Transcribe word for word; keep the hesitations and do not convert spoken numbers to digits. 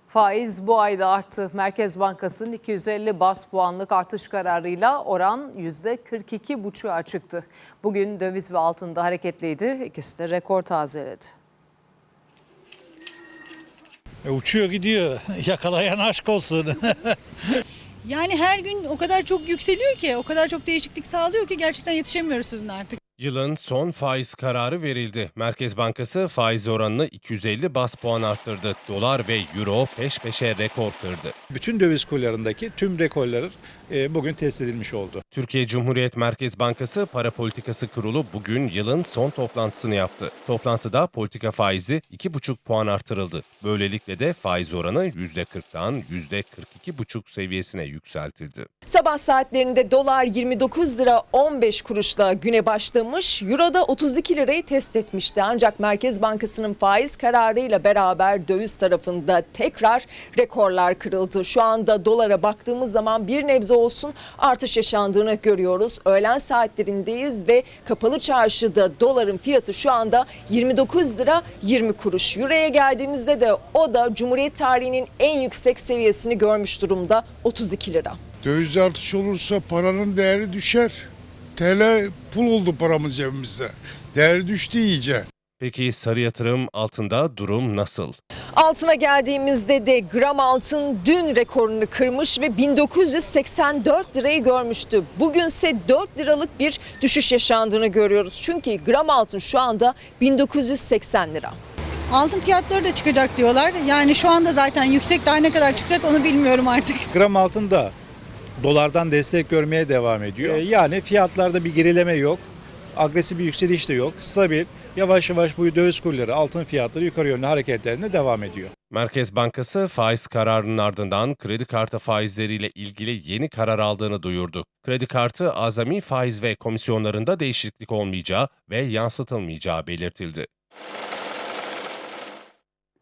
Faiz bu ayda arttı. Merkez Bankası'nın iki yüz elli baz puanlık artış kararıyla oran yüzde kırk iki buçuğa çıktı. Bugün döviz ve altında hareketliydi. İkisi de rekor tazeledi. E, uçuyor gidiyor. Yakalayan aşk olsun. Yani her gün o kadar çok yükseliyor ki, o kadar çok değişiklik sağlıyor ki gerçekten yetişemiyoruz sizinle artık. Yılın son faiz kararı verildi. Merkez Bankası faiz oranını iki yüz elli baz puan arttırdı. Dolar ve euro peş peşe rekor kırdı. Bütün döviz kurlarındaki tüm rekorlar e, bugün test edilmiş oldu. Türkiye Cumhuriyet Merkez Bankası Para Politikası Kurulu bugün yılın son toplantısını yaptı. Toplantıda politika faizi iki buçuk puan artırıldı. Böylelikle de faiz oranı yüzde kırktan yüzde kırk iki buçuk seviyesine yükseltildi. Sabah saatlerinde dolar yirmi dokuz lira on beş kuruşla güne başlamış, euro da otuz iki lirayı test etmişti. Ancak Merkez Bankası'nın faiz kararıyla beraber döviz tarafında tekrar rekorlar kırıldı. Şu anda dolara baktığımız zaman bir nebze olsun artış yaşandığını görüyoruz. Öğlen saatlerindeyiz ve kapalı çarşıda doların fiyatı şu anda yirmi dokuz lira yirmi kuruş. Euro'ya geldiğimizde de o da Cumhuriyet tarihinin en yüksek seviyesini görmüş durumda, otuz iki lira. Dövizde artış olursa paranın değeri düşer. T L pul oldu paramız cebimizde. Değeri düştü iyice. Peki sarı yatırım altında durum nasıl? Altına geldiğimizde de gram altın dün rekorunu kırmış ve bin dokuz yüz seksen dört lirayı görmüştü. Bugünse dört liralık bir düşüş yaşandığını görüyoruz. Çünkü gram altın şu anda bin dokuz yüz seksen lira. Altın fiyatları da çıkacak diyorlar. Yani şu anda zaten yüksek, daha ne kadar çıkacak onu bilmiyorum artık. Gram altında dolardan destek görmeye devam ediyor. E, yani fiyatlarda bir gerileme yok. Agresif bir yükseliş de yok. Stabil. Yavaş yavaş bu döviz kurları, altın fiyatları yukarı yönlü hareketlerine devam ediyor. Merkez Bankası faiz kararının ardından kredi kartı faizleriyle ilgili yeni karar aldığını duyurdu. Kredi kartı azami faiz ve komisyonlarında değişiklik olmayacağı ve yansıtılmayacağı belirtildi.